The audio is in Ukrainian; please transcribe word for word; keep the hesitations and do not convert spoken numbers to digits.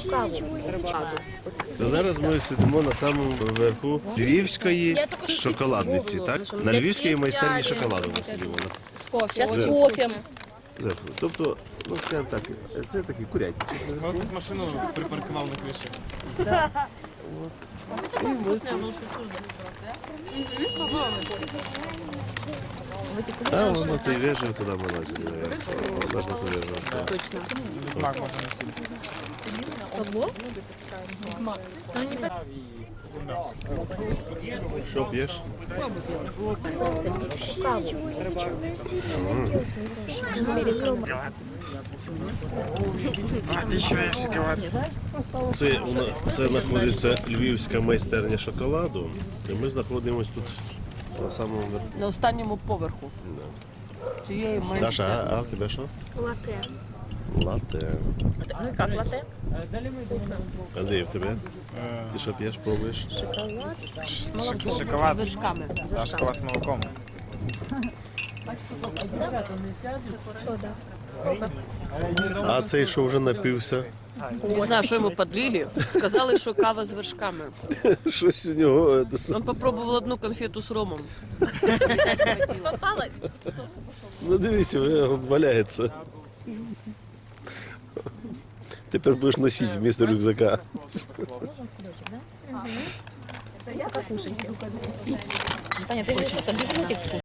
Це зараз ми сидимо на самому верху Львівської шоколадниці, так? На Львівській майстерні шоколаду ми сидимо. Сейчас с кофе. Зверху. Тобто, ну скажімо так, це такий курятник. Я якусь машину припаркував на криші. А, воно ти вежив, туди ми лазили. Вона ж на ту вежу. Точно. Мак можна носити. Що п'єш? А ти що є шоколад? Це, у нас- це знаходиться Львівська майстерня шоколаду. І ми знаходимося тут на самому верху. На останньому поверху. Цієї майже. Даша, а, а в тебе що? Латте. Латте. Ну и как латте? Андрій, в тебе? Ти що п'єш, пробуєш? Шоколад. З вершками. Та шоколад з молоком. А цей, що вже напився? Не знаю, що йому подлили. Сказали, що кава з вершками. Щось у нього. це с- Він попробував одну конфету з ромом. Попалась? Ну дивися, вже валяється. Тепер будеш носити вмісто рюкзака. Покушайте. Таня, ты говоришь, что там без вкус.